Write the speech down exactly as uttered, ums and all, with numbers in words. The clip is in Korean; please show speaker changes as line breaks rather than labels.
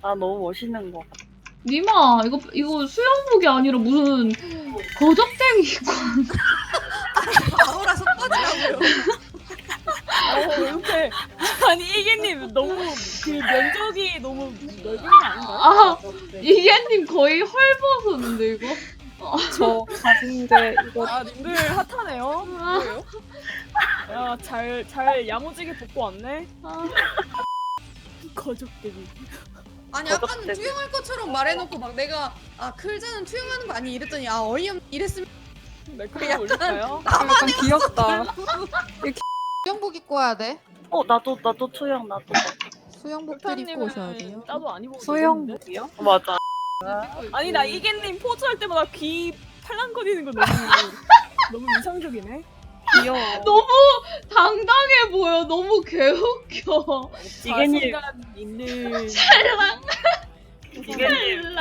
나 너무 멋있는 거 같아.
니마 이거 이거 수영복이 아니라 무슨 거적대기 입고
바로라서 꺼지라고요.
어, 이렇게 아니 이게님 너무 그 면적이 너무 넓은 거 아닌가요?
아 이게님 거의 헐벗었는데 이거.
저 가진데 이거
아 님들 핫하네요. 뭐예요? 야잘 잘 야무지게 벗고 왔네.
아,
거적대기.
아니 아까는
거적대기.
투영할 것처럼 말해놓고 막 내가 아 클자는 투영하는 거 아니 이랬더니 아 어이없 이랬으면
매크로 올릴까요?
약간 귀엽다.
수영복 입고 와야 돼.
어 나도 나도 투영 나도.
수영복들 입고 오셔야
흑타님은
돼요.
따도 안 입어도
수영
되겠는데?
투영? 어, 맞아.
아니 나 이게님 포즈 할 때마다 귀 팔랑거리는 거 너무 너무 이상적이네.
귀여워.
너무 당당해 보여. 너무 개웃겨.
이게님
자신감 있는
찰랑.
이게님